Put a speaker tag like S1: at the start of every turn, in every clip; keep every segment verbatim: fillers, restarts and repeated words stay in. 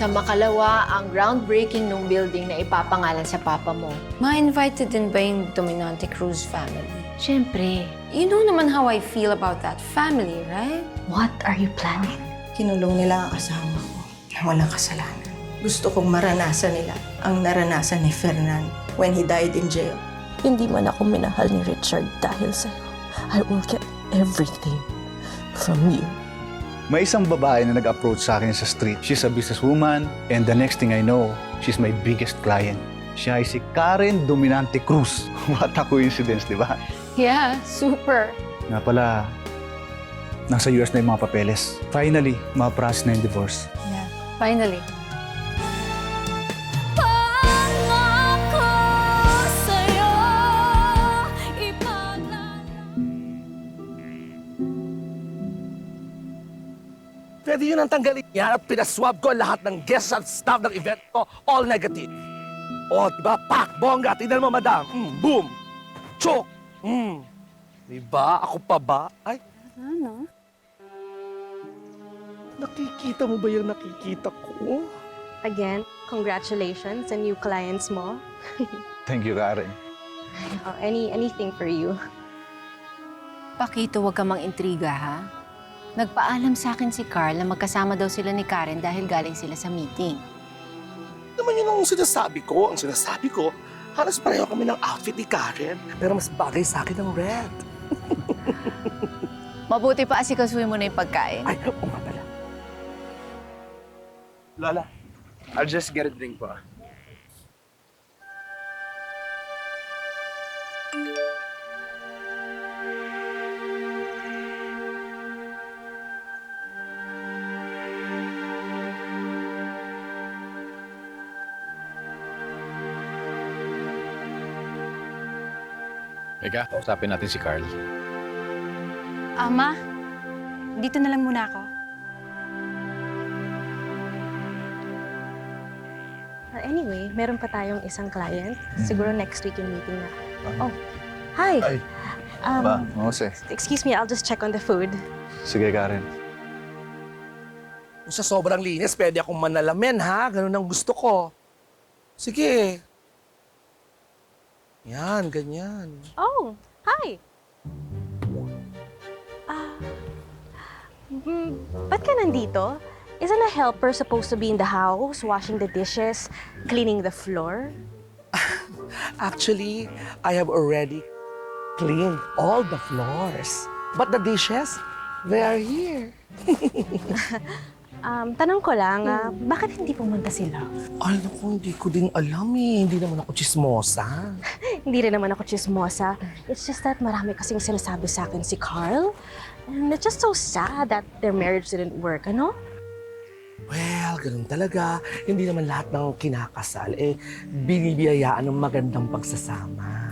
S1: Sa makalawa, ang groundbreaking ng building na ipapangalan sa papa mo.
S2: Ma-invited din ba yung Dominante Cruz family?
S1: Siyempre.
S2: You know naman how I feel about that family, right?
S1: What are you planning?
S3: Kinulong nila ang asawa ko na walang kasalanan. Gusto kong maranasan nila ang naranasan ni Fernan when he died in jail.
S4: Hindi man ako minahal ni Richard dahil sa'yo. I will get everything from you.
S5: May isang babae na nag-approach sa akin sa street. She's a businesswoman and the next thing I know, she's my biggest client. Siya ay si Karen Dominante Cruz. What a coincidence, di ba?
S1: Yeah, super.
S5: Nga pala, nasa U S na yung mga papeles. Finally, ma-process na yung divorce.
S1: Yeah, finally.
S6: Pwede yun ang tanggalin yan at pinaswab ko lahat ng guests at staff ng event ko, all negative. O, diba? Pak! Bongga! Tignan mo, madam. Mm, boom! Chok! Mm. Diba? Ako pa ba? Ay,
S2: Ano?
S6: nakikita mo ba yung nakikita ko?
S7: Again, congratulations sa new clients mo.
S5: Thank you, Karen.
S7: Oh, any anything for you.
S1: Pakito, huwag ka mang-intriga, ha? Nagpaalam sa akin si Carl na magkasama daw sila ni Karen dahil galing sila sa meeting.
S6: Naman yun ang sinasabi ko. Ang sinasabi ko, halos pareho kami ng outfit ni Karen. Pero mas bagay sa akin ng red.
S1: Mabuti pa asikasuhin mo na yung pagkain.
S6: Ay, oo nga pala.
S8: Lola, I'll just get a drink po.
S9: Eka, usapin natin si Carl.
S10: Ama, dito na lang muna ako.
S7: Uh, anyway, meron pa tayong isang client. Siguro next week yung meeting na. Oh, hi!
S5: Ay,
S7: Um,
S5: ba? Jose.
S7: excuse me, I'll just check on the food.
S5: Sige, Karen.
S6: Kung sa sobrang linis, pwede akong manalamin, ha? Ganun ang gusto ko. Sige. Yan, ganyan.
S7: Oh, hi! Ah, mm, ba't ka nandito? Isn't a helper supposed to be in the house, washing the dishes, cleaning the floor?
S6: Actually, I have already cleaned all the floors. But the dishes, they are here.
S7: Um, tanong ko lang, ah, bakit hindi pumunta sila?
S6: Ay, naku, hindi ko din alam eh. Hindi naman ako chismosa.
S7: Hindi rin naman ako chismosa. It's just that marami kasing sinasabi sa akin si Carl. And it's just so sad that their marriage didn't work, ano?
S6: Well, ganun talaga. Hindi naman lahat ng kinakasal, eh, binibiyayaan ng magandang pagsasama.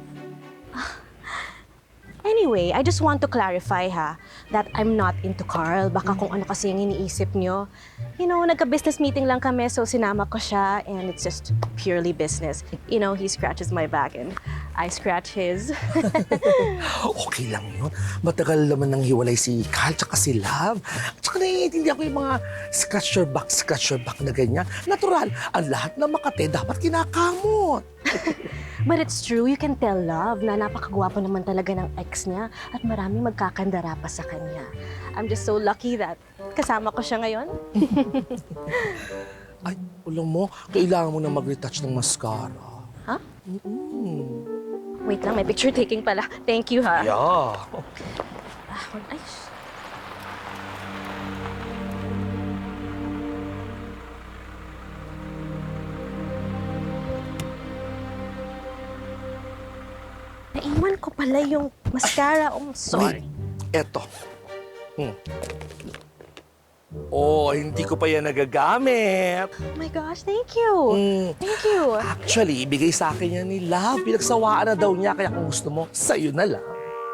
S7: Anyway, I just want to clarify ha, that I'm not into Carl. Baka kung ano kasi yung iniisip nyo. You know, nagka-business meeting lang kami, so sinama ko siya, and it's just purely business. You know, he scratches my back and I scratch his.
S6: Okay lang yun. Matagal naman nang hiwalay si Carl tsaka si Love. Tsaka naiintindihan ko yung mga scratch your back, scratch your back na ganyan. Natural, ang lahat na makate dapat kinakamot.
S7: But it's true, you can tell Love na napakagwapo naman talaga ng ex niya at maraming magkakandara pa sa kanya. I'm just so lucky that kasama ko siya ngayon.
S6: Ay, alam mo, kailangan mo na mag-retouch ng mascara.
S7: Ha?
S6: Mm-mm.
S7: Wait lang, may picture taking pala. Thank you ha.
S6: Yeah.
S7: Ah, ay, sh- Naiwan ko pala yung mascara. Oh, sorry.
S6: Wait, eto. Hmm. Oh, hindi ko pa yan nagagamit.
S7: Oh my gosh, thank you.
S6: Mm.
S7: Thank you.
S6: Actually, ibigay sa akin yan ni Love. Pinagsawaan na daw niya, kaya kung gusto mo, sa'yo na lang.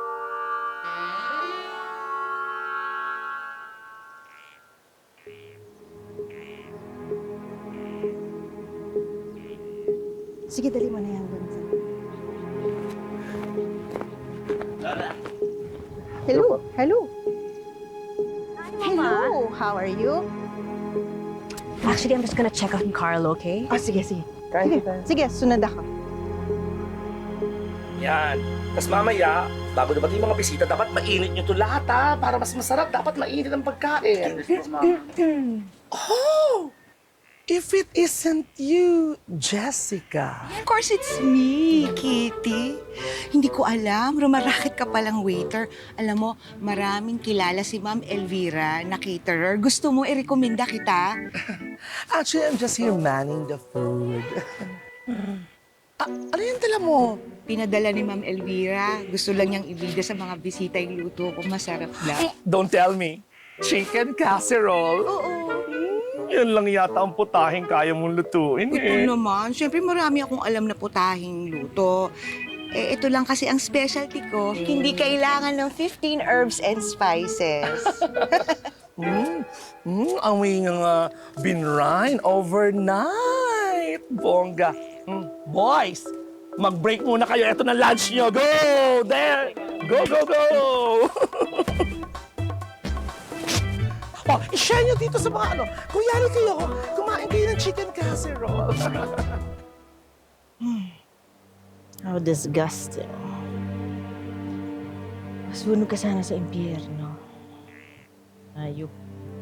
S4: Sige, dali mo na yan, Vincent. Hello. Hello.
S7: Hi, Mama.
S4: Hello. How are you?
S7: Actually, I'm just gonna check on Carl, okay?
S3: Ah, sige, sige.
S8: Kain
S3: Sige,
S8: tayo.
S3: sige, sunod ako.
S6: Yan. Tapos mamaya, bago dumating yung mga bisita, dapat mainit nyo to lahat ha. Para mas masarap, dapat mainit ang pagkain. Oh! If it isn't you, Jessica.
S9: Of course, it's me, Kitty. Hindi ko alam, rumaraket ka palang waiter. Alam mo, maraming kilala si Ma'am Elvira na caterer. Gusto mo i-recommenda kita?
S6: Actually, I'm just here manning the food. ah, ano yung dala mo?
S9: Pinadala ni Ma'am Elvira. Gusto lang niyang ibida sa mga bisita yung luto ko. Masarap lang.
S6: Don't tell me. Chicken casserole?
S9: Oo.
S6: Yan lang yata ang putahing kaya mong lutuin
S9: Ito
S6: eh.
S9: naman, syempre marami akong alam na putahing luto. Eh, ito lang kasi ang specialty ko. Hindi kailangan ng fifteen herbs and spices.
S6: Mm, mm, amoy nga nga binrain overnight. Bongga. Mm, boys, mag-break muna kayo. Ito na lunch nyo. Go! There! Go, go, go! oh, i-share nyo dito sa mga ano. Kung yari kayo, kumain kayo ng chicken casserole.
S4: How disgusting. Masunog ka sana sa impyerno. Ayup.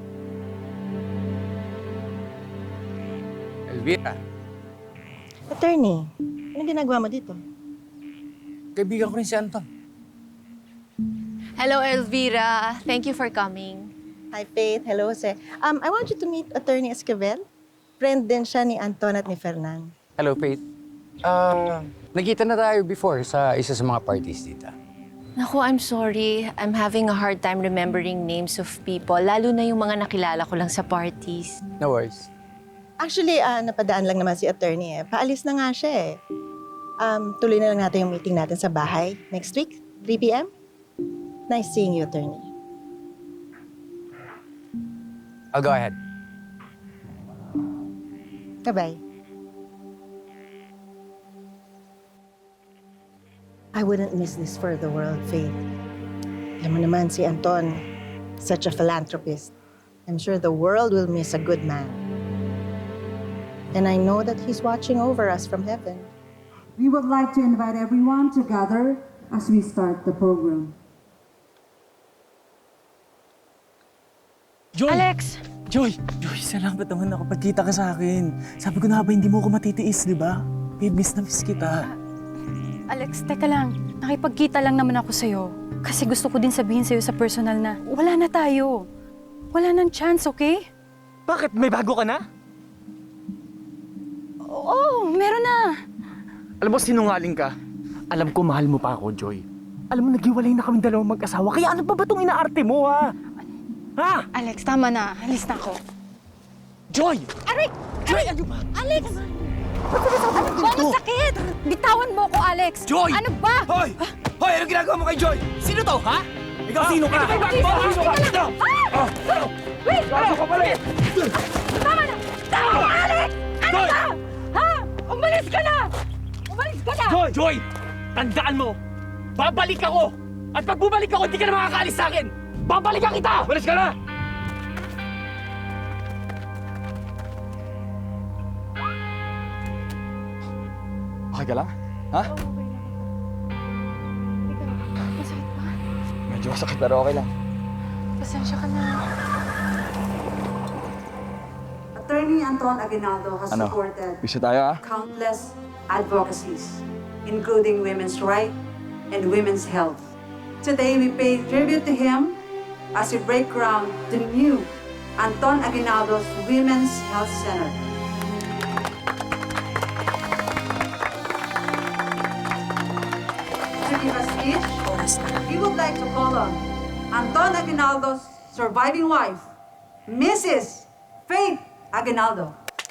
S8: Elvira,
S3: Attorney, anong ginagawa mo dito?
S8: kaibigan ko rin si Anton.
S1: Hello, Elvira. Thank you for coming.
S3: Hi, Faith. Hello, Jose. Um, I want you to meet Attorney Esquivel. Friend din siya ni Anton at ni Fernan.
S8: Hello, Faith. Ah, nagkita na tayo before sa isa sa mga parties dito.
S1: Naku, I'm sorry. I'm having a hard time remembering names of people, lalo na yung mga nakilala ko lang sa parties.
S8: No worries.
S3: Actually, ah, napadaan lang naman si Attorney eh. Paalis na nga siya eh. Um, tuloy na lang natin yung meeting natin sa bahay next week, three p m Nice seeing you, Attorney.
S8: I'll go ahead.
S3: Bye-bye. I wouldn't miss this for the world, Faith. Alam mo naman si Anton, such a philanthropist. I'm sure the world will miss a good man. And I know that he's watching over us from heaven.
S11: We would like to invite everyone to gather as we start the program.
S12: Joy!
S10: Alex!
S12: Joy! Joy, salamat naman nakapagkita ka sa akin. Sabi ko na ba hindi mo ako matitiis, di ba? Babe, miss na miss kita.
S10: Alex, teka lang. Nakipagkita lang naman ako sa'yo. Kasi gusto ko din sabihin sa'yo sa personal na wala na tayo. Wala nang chance, okay?
S12: Bakit? May bago ka na?
S10: Oo, meron na.
S12: Alam mo, sinungaling ka. Alam ko, mahal mo pa ako, Joy. Alam mo, naghiwalay na kami dalawang mag-asawa. Kaya ano pa ba itong inaarte mo, ha? Ha?
S10: Alex, tama na. Alis na ako.
S12: Joy!
S10: Aray!
S12: Joy, ano ba?
S10: Alex! Ano ba? Masakit! Bitawan mo ko, Alex!
S12: Joy!
S10: Ano ba?
S12: Hoy! Hoy, ano ginagawa mo kay Joy? Sino to, ha? Ikaw sino ka?
S10: Ito ba? Sino ka? Sino? Ah! Wait!
S12: Gago ka pala eh!
S10: Tama na! Tama na, Alex! Ano ba? Ha? Umalis ka na! Umalis ka na!
S12: Joy! Joy! Tandaan mo! Babalik ako! At pag bumalik ako, hindi ka na makakaalis sa akin! Babalikan kita! Walis ka na! Okay ka lang? Ha?
S10: Masakit ba?
S8: Medyo masakit pero okay lang.
S10: Pasensya ka na.
S11: Attorney Anton Aguinaldo has
S8: Ano?
S11: supported
S8: Bisa tayo, ha?
S11: countless advocacies, including women's rights and women's health. Today, we pay tribute to him as we break ground the new Anton Aguinaldo's Women's Health Center. To give a speech, we would like to call on Anton Aguinaldo's surviving wife, Missus Faith Aguinaldo.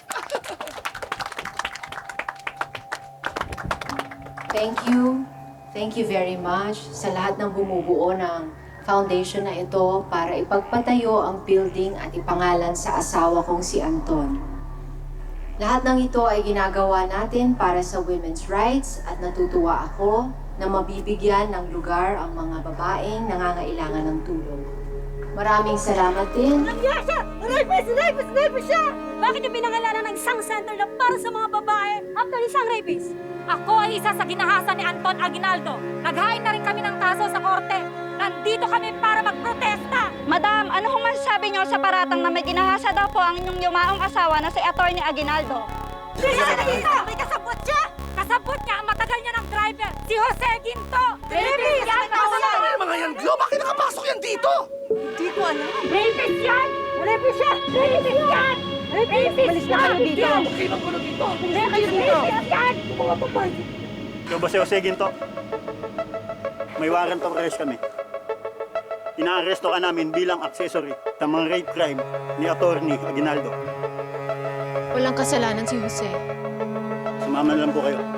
S1: Thank you. Thank you very much sa lahat ng bumubuo ng foundation na ito para ipagpatayo ang building at ipangalan sa asawa kong si Anton. Lahat ng ito ay ginagawa natin para sa women's rights at natutuwa ako na mabibigyan ng lugar ang mga babaeng nangangailangan ng tulong. Maraming salamat din.
S7: Aray, siya! Aray, siya! Aray, siya!
S13: Bakit niyo pinangalanan ng isang center na para sa mga babae after isang rapist? Ako ay isa sa ginahasa ni Anton Aguinaldo. Naghain na rin kami ng kaso sa korte. Nandito kami para magprotesta.
S14: Madam, ano kung masasabi niyo sa paratang na may ginahasa daw po ang inyong yumaong asawa na si Atty. Aguinaldo?
S13: Siya dito! May kasabot siya! Kasabot niya ang matagal niya ng driver, si Jose Ginto! Rapist yan!
S6: Ano yung mga yan, Glo? Bakit nakapasok yan dito?
S9: Hindi ko alam.
S13: Rapist yan! Rapist yan! Rapist yan! Rapist yan!
S9: Malis na kayo dito.
S6: Okay, magkulo dito.
S13: Rapist yan!
S6: Mga babae.
S15: Ikaw ba si Jose Ginto? May warrant of arrest kami. Inaaresto ka namin bilang accessory sa mga rape crime ni Atty. Aguinaldo.
S2: Walang kasalanan si Jose.
S15: Sumama na lang po kayo.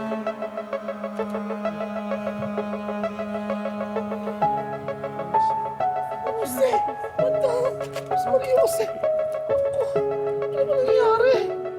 S6: Jose! Madam! Sorry, Jose! Ako, ano ba nangyayari?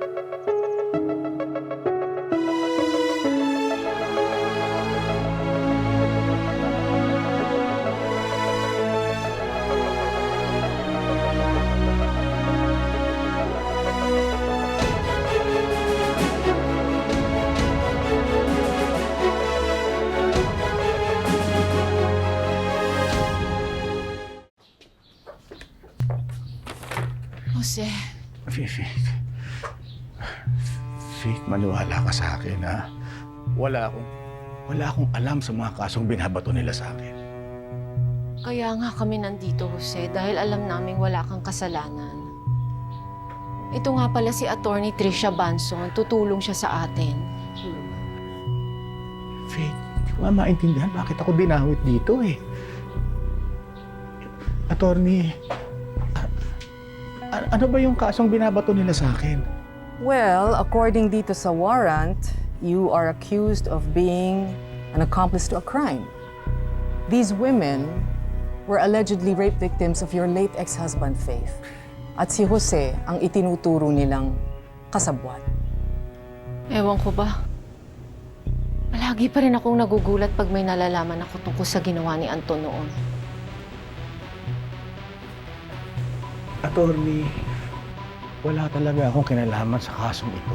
S2: Jose,
S5: Faith, Faith, maniwala ka sa akin, ha? Wala akong, wala akong alam sa mga kasong binabato nila sa akin.
S2: kaya nga kami nandito, Jose, dahil alam naming wala kang kasalanan. Ito nga pala si Attorney Tricia Banson, tutulong siya sa atin.
S5: Faith, hindi ko nga maintindihan bakit ako dinawit dito, eh. Attorney, a- ano ba yung kasong binabato nila sa akin?
S16: Well, according dito sa warrant, you are accused of being an accomplice to a crime. These women were allegedly rape victims of your late ex-husband, Faith. At si Jose ang itinuturo nilang kasabwat.
S2: Ewan ko ba? Palagi pa rin akong nagugulat pag may nalalaman ako tungkol sa ginawa ni Anton noon.
S5: Attorney, wala talaga akong kinalaman sa kasong ito.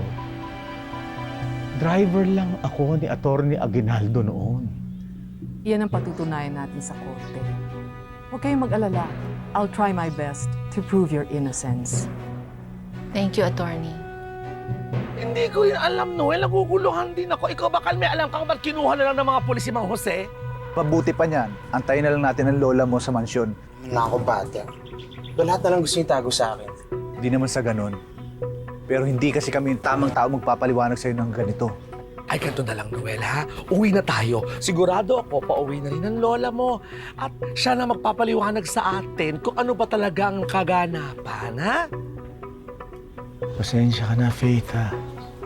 S5: Driver lang ako ni Attorney Aguinaldo noon.
S16: Yan ang patutunayan natin sa korte. Huwag kayong mag-alala. I'll try my best to prove your innocence.
S2: Thank you, Attorney.
S6: Hindi ko rin alam, Noel. Naguguluhan din ako. Ikaw bakal may alam kang ba't kinuha na lang ng mga pulis si Mang Jose?
S5: Mabuti pa niyan. Antayin na lang natin ang lola mo sa mansyon.
S12: Nako, bata. Ba lahat na lang gusto niyo itago sa akin?
S5: Hindi naman sa ganun. Pero hindi kasi kami yung tamang tao magpapaliwanag sa'yo ng ganito.
S6: Ay, ganito na lang, Noel, ha? Uwi na tayo. Sigurado ako, pauwi na rin ang lola mo. At siya na magpapaliwanag sa atin kung ano ba talaga ang kaganapan, ha?
S5: Pasensya ka na, Faith, ha?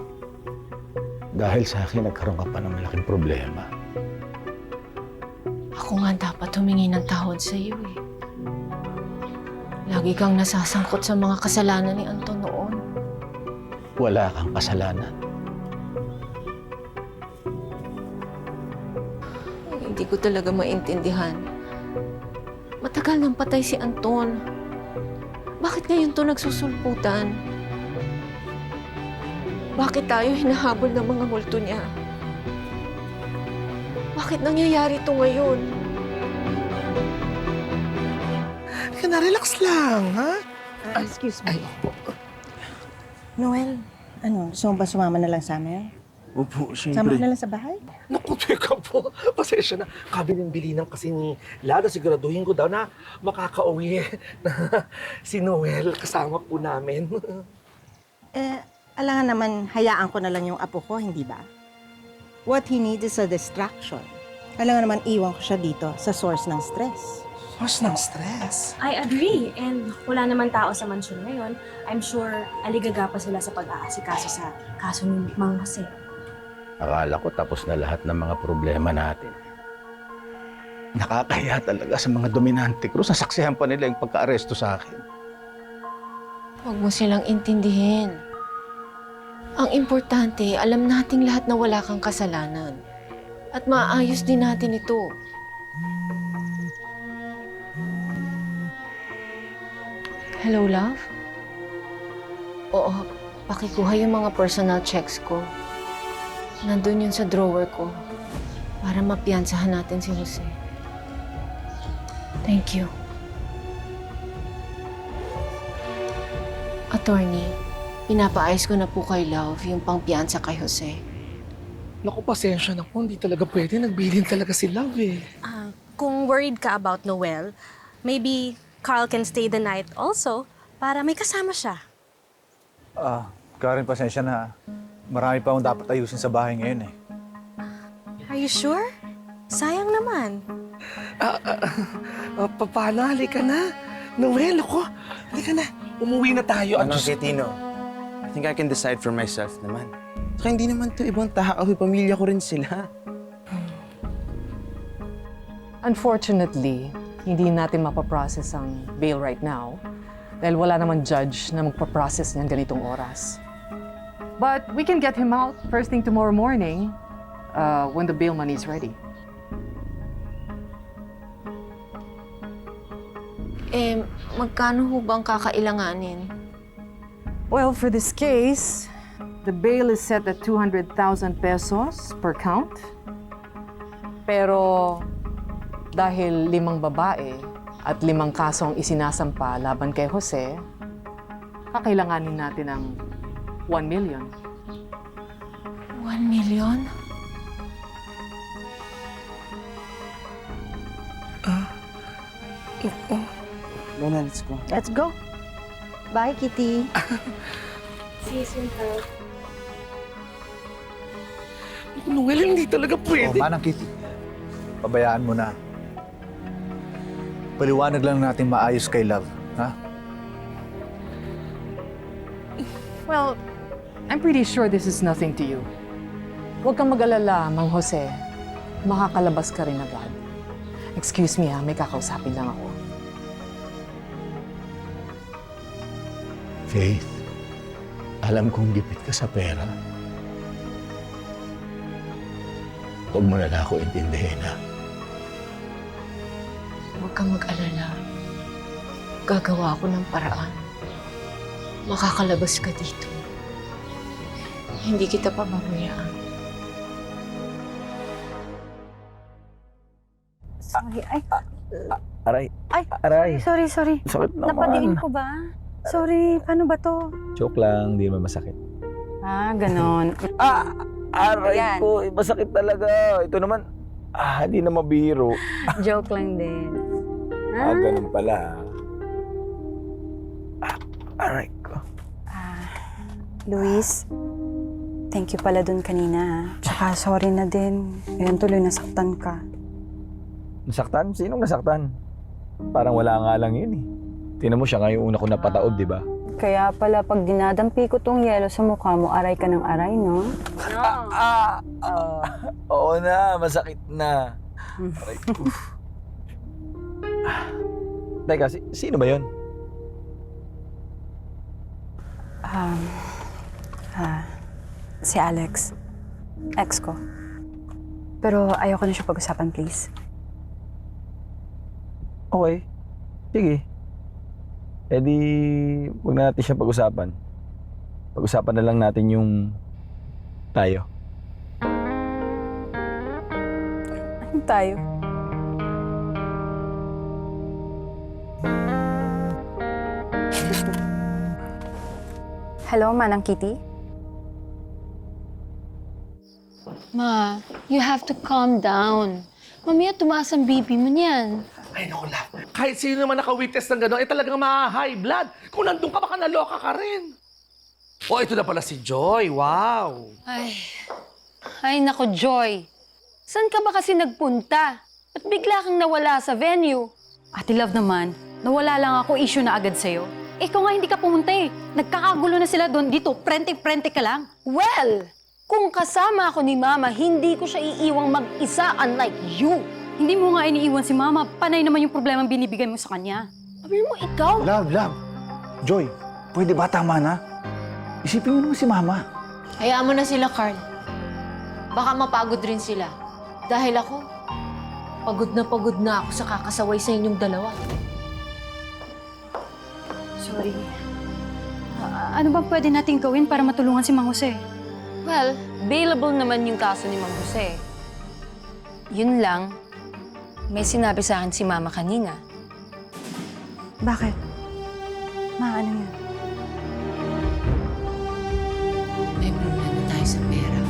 S5: Dahil sa akin, nagkaroon ka pa ng malaking problema.
S2: Ako nga dapat humingi ng tawad sa iyo eh. Lagi kang nasasangkot sa mga kasalanan ni Anton noon.
S5: Wala kang kasalanan.
S2: Hindi ko talaga maintindihan. Matagal nang patay si Anton. Bakit ngayon to nagsusulputan? Bakit tayo hinahabol ng mga multo niya? Bakit nangyayari to ngayon?
S6: Ka na, relax lang, ha?
S3: Ah, excuse me.
S6: Ay, opo.
S3: Noel, ano, gusto mo ba sumama na lang sa amin?
S12: Opo,
S3: Sama ka na lang sa bahay?
S6: Naku, teka po. Pasensya na. Kabilin-bilinan kasi ni Lada. Siguraduhin ko daw na makakauwi na si Noel kasama po namin.
S3: Eh, alangan naman, hayaan ko na lang yung apo ko, hindi ba? What he needs is a distraction. Alangan naman, iwan ko siya dito sa source ng stress.
S6: Source ng stress?
S7: I agree. And wala naman tao sa mansyon ngayon. I'm sure aligaga pa sila sa pag-aasikaso sa kaso ni Mang Jose.
S5: Akala ko tapos na lahat ng mga problema natin. Nakakaya talaga sa mga dominante Cruz. Nasaksihan pa nila yung pagka-aresto sa akin.
S2: Huwag mo silang intindihin. Ang importante, alam nating lahat na wala kang kasalanan. At maayos din natin ito. Hello, love? Oo, pakikuha yung mga personal checks ko. Nandun yun sa drawer ko para mapiyansahan natin si Jose. Thank you. Attorney, pinapaayos ko na po kay Love yung pangpiyansa kay Jose.
S6: Naku, pasensya na po. Hindi talaga pwede. Nagbilin talaga si Love eh.
S7: Ah, kung worried ka about Noel, maybe Carl can stay the night also para may kasama siya.
S5: Ah, Karen, pasensya na. Marami pa akong dapat ayusin sa bahay ngayon eh.
S7: Are you sure? Sayang naman.
S6: Ah, ah, ah, Papana, halika na. Noel, ako. Halika na. Umuwi na tayo.
S17: Ano, Tino? I think I can decide for myself naman. Saka hindi naman to ibang tao. Pamilya ko rin sila.
S16: Unfortunately, hindi natin mapaprocess ang bail right now dahil wala namang judge na magpaprocess niyan ganitong oras. But we can get him out first thing tomorrow morning uh, when the bail money is ready.
S2: Eh, magkano ho bang kakailanganin?
S16: Well, for this case, the bail is set at two hundred thousand pesos per count. Pero dahil limang babae at limang kasong isinasampa laban kay Jose, kakailanganin natin ng one million.
S2: One million?
S6: Ah. Oo.
S17: Lola, let's go.
S3: Let's go. Bye, Kitty.
S7: See you soon, Carl.
S6: Noel, hindi talaga pwede.
S5: Oh, Manang Kitty, pabayaan mo na. Paliwanag lang natin maayos kay Love, ha?
S16: Well, I'm pretty sure this is nothing to you. Huwag kang mag-alala, Mang Jose. Makakalabas ka rin agad. Excuse me ha, may kakausapin lang ako.
S18: Faith, alam kong gipit ka sa pera. Huwag mo na lang ako intindihin, ha?
S2: Huwag kang mag-alala. Gagawa ako ng paraan. Makakalabas ka dito. Hindi kita pababayaan.
S10: Sorry, ay.
S17: Aray.
S10: Ay,
S17: Aray.
S10: sorry, sorry.
S17: Sakit naman.
S10: Napadiin ko ba? Sorry, paano ba to?
S17: Joke lang, hindi naman masakit.
S10: Ah, ganon.
S17: Ah! Aray
S10: Ayan.
S17: ko, eh, masakit talaga. Ito naman, ah, hindi na mabiro.
S10: Joke lang din.
S17: Ah, ganun pala. Ah, aray ko.
S10: Luis, thank you pala dun kanina. Tsaka sorry na din. Ngayon tuloy nasaktan ka.
S17: Nasaktan? Sinong nasaktan? Parang wala nga lang yun eh. Tingnan mo siya nga yung una ko napataob, di ba?
S10: Kaya pala pag dinadampi ko tong yelo sa mukha mo, aray ka ng aray, no?
S17: Ah, ah, oo na, masakit na. Aray ko. Ah, Teka, si, sino ba yun?
S10: Um, ah, si Alex. Ex ko. Pero ayoko na siya pag-usapan, please.
S17: Okay. Sige. Eh di, huwag na natin siya pag-usapan. Pag-usapan na lang natin yung tayo.
S10: Ano tayo? Hello, Manang Kitty?
S19: Ma, you have to calm down. Mamaya tumaas ang B P mo niyan.
S6: Ay, naku, Love. Kahit sino naman naka-witness ng gano'n, eh talagang ma-high blood. Kung nandun ka, baka naloka ka rin. Oh, ito na pala si Joy. Wow.
S19: Ay, ay nako, Joy. Saan ka ba kasi nagpunta? At bigla kang nawala sa venue?
S10: Ate Love naman, nawala lang ako, issue na agad sa'yo. Ikaw nga hindi ka pumunta eh. Nagkakagulo na sila doon. Dito, prente-prente ka lang.
S19: Well, kung kasama ako ni Mama, hindi ko siya iiwang mag-isa unlike you.
S10: Hindi mo nga iniiwan si Mama. Panay naman yung problema binibigay mo sa kanya.
S19: Sabi mo, ikaw?
S5: Love, love. Joy, pwede ba tama na? Isipin mo naman si Mama.
S2: Hayaan mo na sila, Carl. Baka mapagod rin sila. Dahil ako, pagod na pagod na ako sa kakasaway sa inyong dalawa.
S10: Sorry. Ah, ano bang pwede natin gawin para matulungan si Mang Jose?
S19: Well, bailable naman yung kaso ni Mang Jose. Yun lang, may sinabi sa akin si Mama kanina.
S10: Bakit? Ma, ano yan?
S2: May problema tayo sa pera.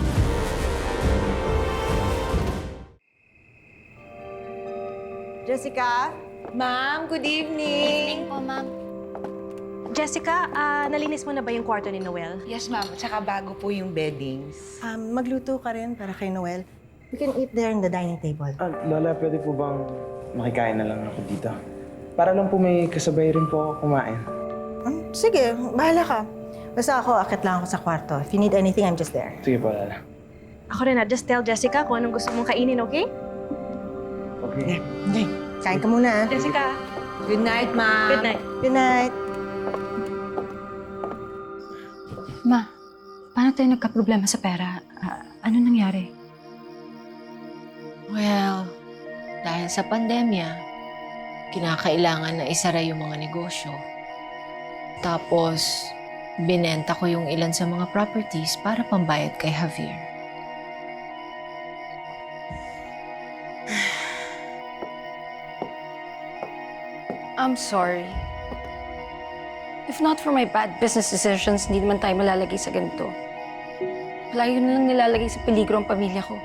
S3: Jessica? Ma'am, good evening.
S7: Evening po, ma'am. Jessica, ah, nalinis mo na ba yung kwarto ni Noel?
S9: Yes, ma'am. Tsaka bago po yung beddings.
S3: Um, magluto ka rin para kay Noel. We can eat there in the dining table.
S12: Ah, Lola, pwede po bang makikain na lang ako dito? Para lang po may kasabay rin po ako kumain.
S3: Um, sige, bahala ka. Basta ako, akit lang ako sa kwarto. If you need anything, I'm just there.
S12: Sige po, Lola.
S7: Ako rin na, just tell Jessica kung anong gusto mong kainin, okay?
S12: Okay.
S3: Okay, kain ka muna. ah.
S7: Jessica.
S9: Good night, ma'am.
S7: Good night.
S3: Good night.
S10: Ma, paano tayo nagka-problema sa pera? Ah, ano nangyari?
S2: Well, dahil sa pandemya, kinakailangan na isara yung mga negosyo. Tapos, binenta ko yung ilan sa mga properties para pambayad kay Javier.
S19: I'm sorry. If not for my bad business decisions, hindi naman tayo malalagay sa ganito. Palayo na lang nilalagay sa peligro ang pamilya ko.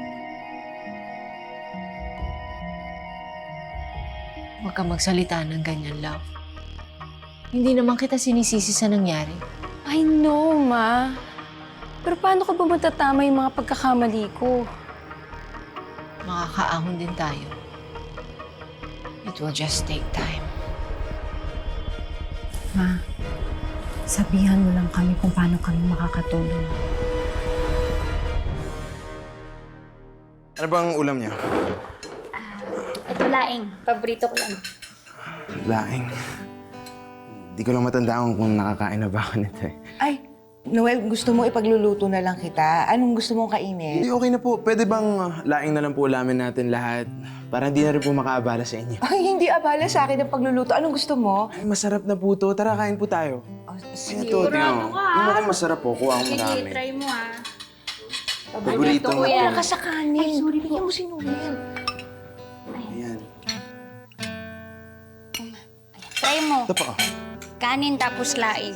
S2: Huwag kang magsalita ng ganyan, love. Hindi naman kita sinisisi sa nangyari.
S19: I know, Ma. Pero paano ko ba matatama yung mga pagkakamali ko?
S2: Makakaahon din tayo. It will just take time.
S10: Ma, sabihan mo lang kami kung paano kami makakatulong.
S20: Ano bang ulam niya?
S13: Ito laing. Paborito ko lang.
S20: Laing. Di ko lang matandaan kung nakakain na ba ako nito eh.
S9: Ay, Noel, gusto mo ipagluluto na lang kita? Anong gusto mong kainin?
S20: Hindi, okay na po. Pwede bang uh, laing na lang po ulamin natin lahat? Para hindi na rin po makaabala sa inyo.
S9: Ay, hindi abala sa akin ang pagluluto. Anong gusto mo?
S20: Ay, masarap na po to. Tara, kain po tayo.
S9: Oh,
S20: Sige, ito, tingnan mo. Yung mukhang masarap po. Kuha ko marami.
S13: try mo ah.
S20: Paborito mo.
S9: Wala ka sa kanin. Ay, sorry. Bigyan mo si Noel.
S20: Ayan.
S13: Try mo.
S20: Ito pa.
S13: Kanin tapos laing.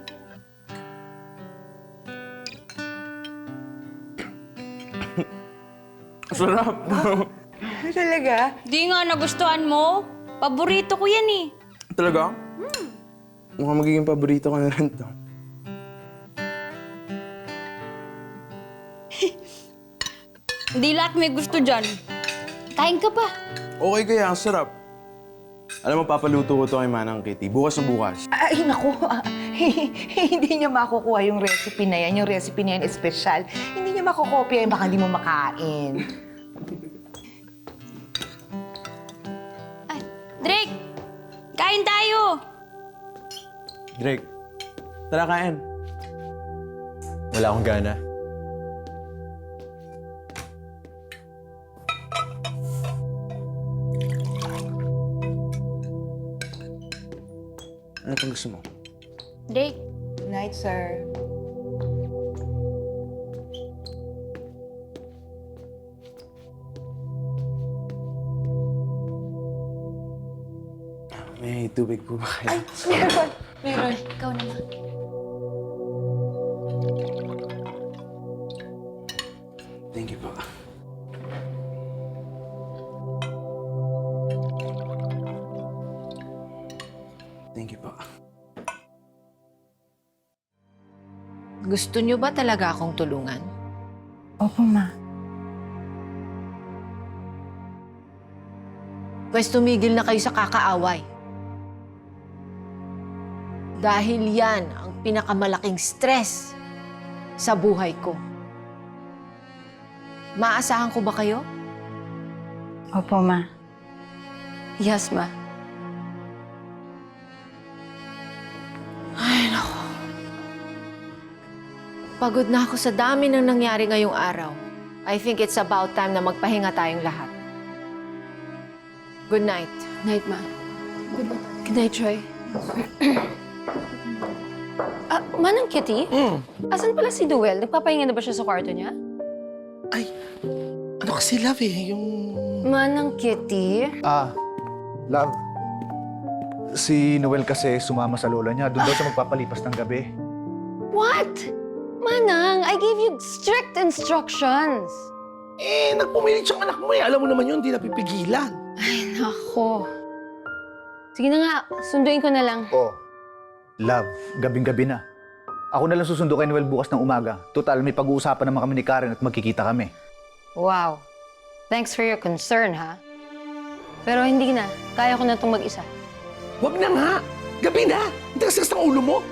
S20: Sarap.
S9: Ay, talaga?
S13: Di nga nagustuhan mo. Paborito ko yan eh.
S20: Talaga?
S13: Hmm.
S20: Mukhang magiging paborito ko na rin to.
S13: Hindi lahat may gusto dyan. Kain ka pa.
S20: Okay kaya, ang sarap. Alam mo, papaluto ko to kay Manang Kitty. Bukas na bukas.
S9: Ay, naku. Ah, hindi niya makukuha yung recipe na yan. Yung recipe na yan is special. Hindi niya makukopya yung baka hindi mo makain.
S13: Drake! Kain tayo!
S20: Drake, tara kain.
S17: Wala akong gana.
S20: Ano pang gusto mo?
S13: Drake,
S9: Good night, sir.
S20: May tubig po ba kayo?
S9: Ay, meron. Meron.
S13: ikaw naman.
S20: Thank you po. Thank you po.
S2: Gusto niyo ba talaga akong tulungan?
S10: Opo, Ma.
S2: Pwes tumigil na kayo sa kakaaway. Dahil yan ang pinakamalaking stress sa buhay ko. Maasahan ko ba kayo?
S10: Opo, Ma.
S19: Yes, Ma.
S2: Ay, naku. Pagod na ako sa dami ng nangyari ngayong araw. I think it's about time na magpahinga tayong lahat. Good night.
S19: Night, Ma. Good night, Joy. Ah, Manang Kitty? Asan pala si Duel? Nagpapahinga na ba siya sa kwarto niya?
S6: Ano kasi, love eh, yung...
S19: Manang Kitty?
S5: Ah, love. Si Noel kasi sumama sa lola niya. Doon daw siya magpapalipas ng gabi.
S19: What? Manang, I gave you strict instructions.
S6: Eh, nagpumilit siyang anak mo eh. Alam mo naman yun, hindi napipigilan.
S19: Ay, nako. Sige na nga, sunduin ko na lang.
S5: Oh, love, gabing-gabi na. Ako na lang susundo kay Noel bukas ng umaga. Total, may pag-uusapan naman kami ni Karen at magkikita kami.
S19: Wow. Thanks for your concern, ha? Pero hindi na. Kaya ko na itong mag-isa.
S6: Huwag na nga! Gabi na! Hindi kasi ng ulo mo!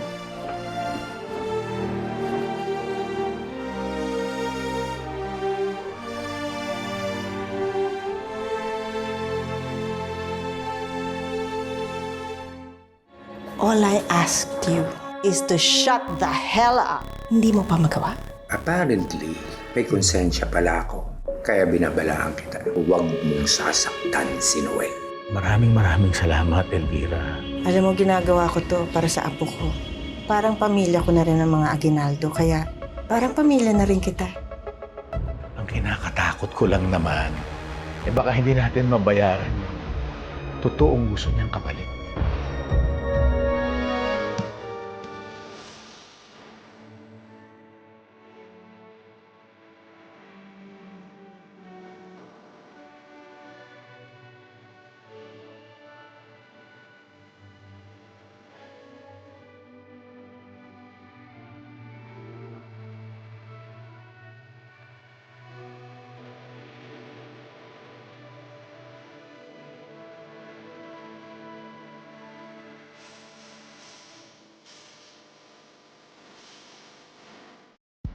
S3: All I asked you is to shut the hell up. Hindi mo pa magawa?
S21: Apparently, may konsensya pala ako. Kaya binabalaan kita. Huwag mong sasaktan si Noel.
S18: Maraming maraming salamat, Elvira.
S3: Alam mo, ginagawa ko to para sa apo ko. Parang pamilya ko na rin ang mga Aguinaldo, kaya parang pamilya na rin kita.
S18: Ang kinakatakot ko lang naman, eh baka hindi natin mabayaran yung totoong gusto niyang kapalit.